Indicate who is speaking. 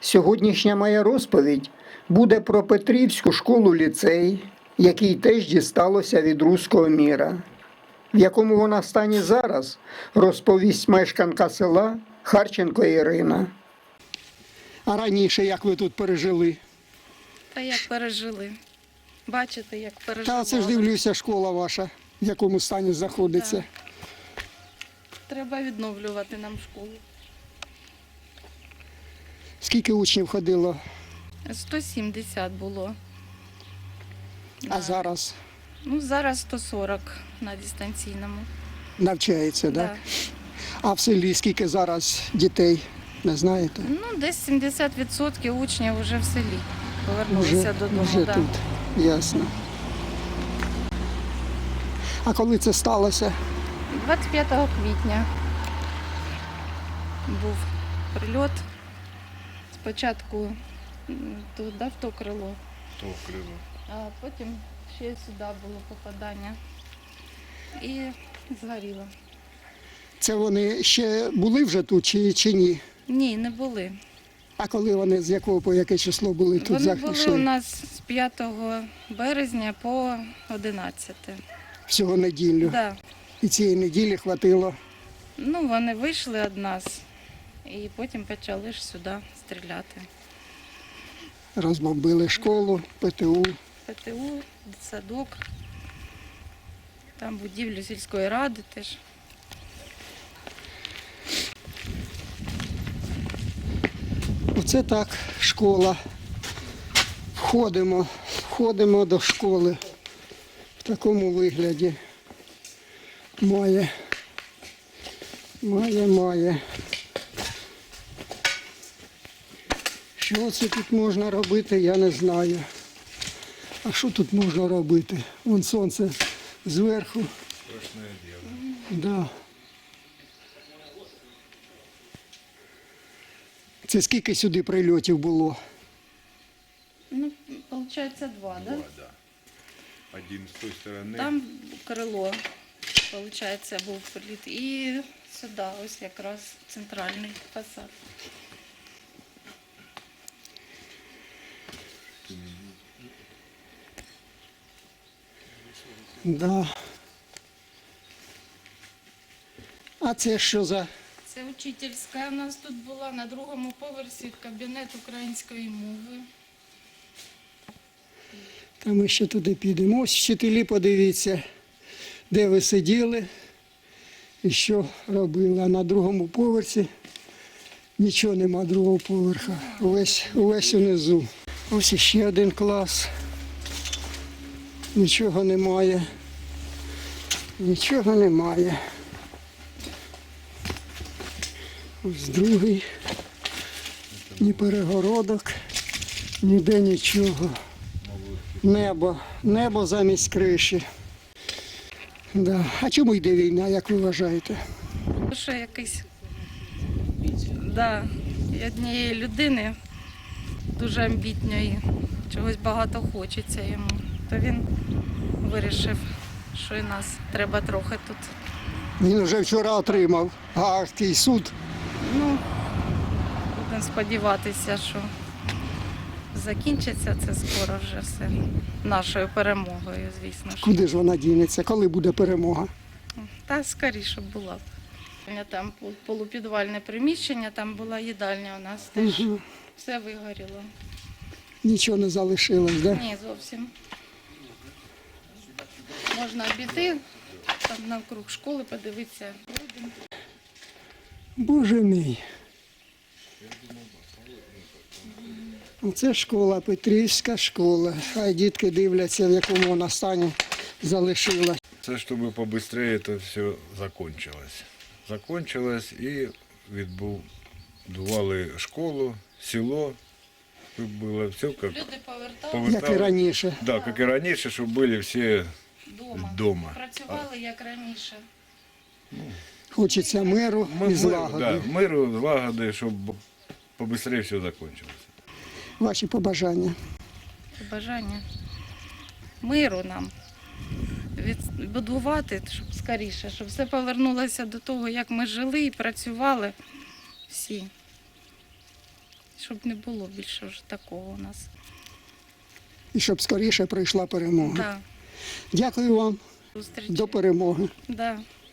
Speaker 1: Сьогоднішня моя розповідь буде про Петрівську школу-ліцей, який теж дісталося від руського міра. В якому вона стані зараз, розповість мешканка села Харченко Ірина. А раніше як ви тут пережили?
Speaker 2: Та як пережили. Бачите, як переживали.
Speaker 1: Та це ж дивлюся, школа ваша, в якому стані знаходиться.
Speaker 2: Так. Треба відновлювати нам школу.
Speaker 1: Скільки учнів ходило,
Speaker 2: 170 було.
Speaker 1: а зараз
Speaker 2: Ну, зараз 140 на дистанційному.
Speaker 1: навчається, так?
Speaker 2: Да.
Speaker 1: А в селі скільки зараз дітей, не знаєте?
Speaker 2: Ну, десь 70% учнів вже в селі повернулися додому.
Speaker 1: Вже
Speaker 2: Да.
Speaker 1: тут, ясно. А коли це сталося?
Speaker 2: 25 квітня був прильот. Спочатку туди, в то крило, а потім ще сюди було попадання і згоріло.
Speaker 1: Це вони ще були вже тут чи ні?
Speaker 2: Ні, не були.
Speaker 1: А коли вони, з якого по яке число були тут
Speaker 2: Вони були у
Speaker 1: захищені?
Speaker 2: нас з 5 березня по 11.
Speaker 1: Всього неділю.
Speaker 2: Да.
Speaker 1: І цієї неділі хватило.
Speaker 2: Ну, вони вийшли від нас і потім почали ж сюди стріляти.
Speaker 1: Розбомбили школу, ПТУ.
Speaker 2: ПТУ, дитсадок, там будівлю сільської ради теж.
Speaker 1: Оце так, школа. Входимо до школи в такому вигляді. Має. Що це тут можна робити, я не знаю. А що тут можна робити? Вон сонце зверху.
Speaker 3: Страшне діло.
Speaker 1: Да. Це скільки сюди прильотів було?
Speaker 2: Ну, виходить, два, да?
Speaker 3: Да. Один з тої сторони.
Speaker 2: Там крило, виходить, був приліт. І сюди, ось якраз центральний фасад.
Speaker 1: Да. А це що за?
Speaker 2: Це учительська у нас тут була на другому поверсі кабінет української мови.
Speaker 1: Та ми ще туди підемо. Ось вчителі, подивіться, де ви сиділи і що робили. А на другому поверсі нічого нема другого поверха. Увесь унизу. Ось іще один клас. Нічого немає. Нічого немає. Ось другий. Ні перегородок, ніде нічого. Небо замість криші. Да. А чому йде війна, як ви вважаєте?
Speaker 2: Що якийсь, да, і однієї людини, дуже амбітної, чогось багато хочеться йому. То він вирішив, що і нас треба трохи тут.
Speaker 1: Він вже вчора отримав Гаагський суд.
Speaker 2: Ну, будемо сподіватися, що закінчиться це скоро вже все. Нашою перемогою, звісно ж.
Speaker 1: Куди ж вона дінеться? Коли буде перемога?
Speaker 2: Та скоріше була б. Там полупідвальне приміщення, там була їдальня у нас теж.
Speaker 1: Угу.
Speaker 2: Все вигоріло.
Speaker 1: Нічого не залишилось, да?
Speaker 2: Ні, зовсім. Можна обійти, там навкруг школи подивитися.
Speaker 1: Боже мій. Це школа, Петрівська школа. Хай дітки дивляться, в якому вона стані залишилась.
Speaker 3: Це щоб побыстрее це все закончилось. Закончилось і відбудували школу, село. Тут було все як
Speaker 2: Люди повертали
Speaker 1: Як і раніше.
Speaker 3: Да, як і раніше, щоб були всі вдома.
Speaker 2: Працювали як раніше.
Speaker 1: Хочеться миру і злагоди.
Speaker 3: Да, миру, злагоди, щоб побыстрее все закончилось.
Speaker 1: Ваші побажання.
Speaker 2: Бажання миру нам. Відбудувати, щоб скоріше, щоб все повернулося до того, як ми жили і працювали всі. щоб не було більше вже такого у нас.
Speaker 1: І щоб скоріше прийшла перемога.
Speaker 2: Да.
Speaker 1: Дякую вам.
Speaker 2: Зустрічі.
Speaker 1: До перемоги.
Speaker 2: Да.